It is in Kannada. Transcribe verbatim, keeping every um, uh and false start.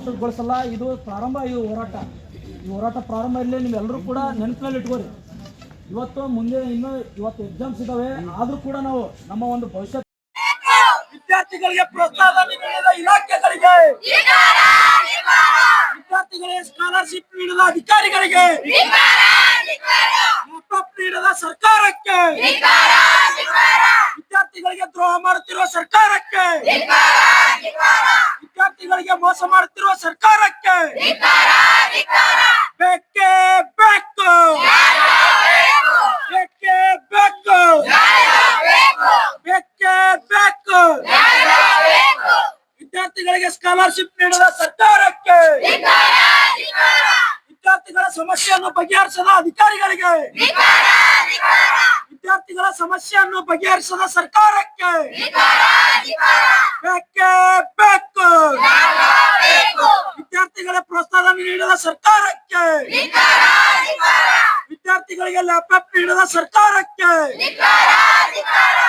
ಮೊಟಕುಗೊಳಿಸಲ್ಲ. ಇದು ಪ್ರಾರಂಭ, ಇದು ಹೋರಾಟ ಈ ಹೋರಾಟ ಪ್ರಾರಂಭ ಇಲ್ಲಿ ನೀವೆಲ್ಲರೂ ಕೂಡ ನೆನಪಿನಲ್ಲಿ ಇಟ್ಕೋರಿ. ಇವತ್ತು ಮುಂದೆ ಇನ್ನು ಇವತ್ತು ಎಕ್ಸಾಮ್ಸ್ ಇದಾವೆ, ಆದ್ರೂ ಕೂಡ ನಾವು ನಮ್ಮ ಒಂದು ಭವಿಷ್ಯ ವಿದ್ಯಾರ್ಥಿಗಳಿಗೆ ಪ್ರೋತ್ಸಾಹ ನೀಡಿದ ಇಲಾಖೆಗಳಿಗೆ, ವಿದ್ಯಾರ್ಥಿಗಳಿಗೆ ಸ್ಕಾಲರ್ಶಿಪ್ ನೀಡಿದ ಅಧಿಕಾರಿಗಳಿಗೆ, ಲ್ಯಾಪ್ಟಾಪ್ ನೀಡಿದ ಸರ್ಕಾರಕ್ಕೆ, ವಿದ್ಯಾರ್ಥಿಗಳಿಗೆ ದ್ರೋಹ ಮಾಡುತ್ತಿರುವ ಸರ್ಕಾರಕ್ಕೆ, ವಿದ್ಯಾರ್ಥಿಗಳಿಗೆ ಮೋಸ ಮಾಡುತ್ತಿರುವ ಸರ್ಕಾರಕ್ಕೆ ಬೇಕೇ ಬೇಕು, ಬೇಕೇ ಬೇಕು, ಬೇಕೇ ಬೇಕು. ವಿದ್ಯಾರ್ಥಿಗಳಿಗೆ ಸ್ಕಾಲರ್ಶಿಪ್ ನೀಡಿದ ಸರ್ಕಾರಕ್ಕೆ, ವಿದ್ಯಾರ್ಥಿಗಳ ಸಮಸ್ಯೆಯನ್ನು ಬಗೆಹರಿಸದ ಅಧಿಕಾರಿಗಳಿಗೆ, ವಿದ್ಯಾರ್ಥಿಗಳ ಸಮಸ್ಯೆಯನ್ನು ಬಗೆಹರಿಸದ ಸರ್ಕಾರಕ್ಕೆ ಬೇಕೇ ಬೇಕು. ವಿದ್ಯಾರ್ಥಿಗಳ ಪ್ರೋತ್ಸಾಹ ನೀಡಿದ ಸರ್ಕಾರಕ್ಕೆ, ವಿದ್ಯಾರ್ಥಿಗಳಿಗೆ ಲ್ಯಾಪ್ಟಾಪ್ ನೀಡಿದ ಸರ್ಕಾರಕ್ಕೆ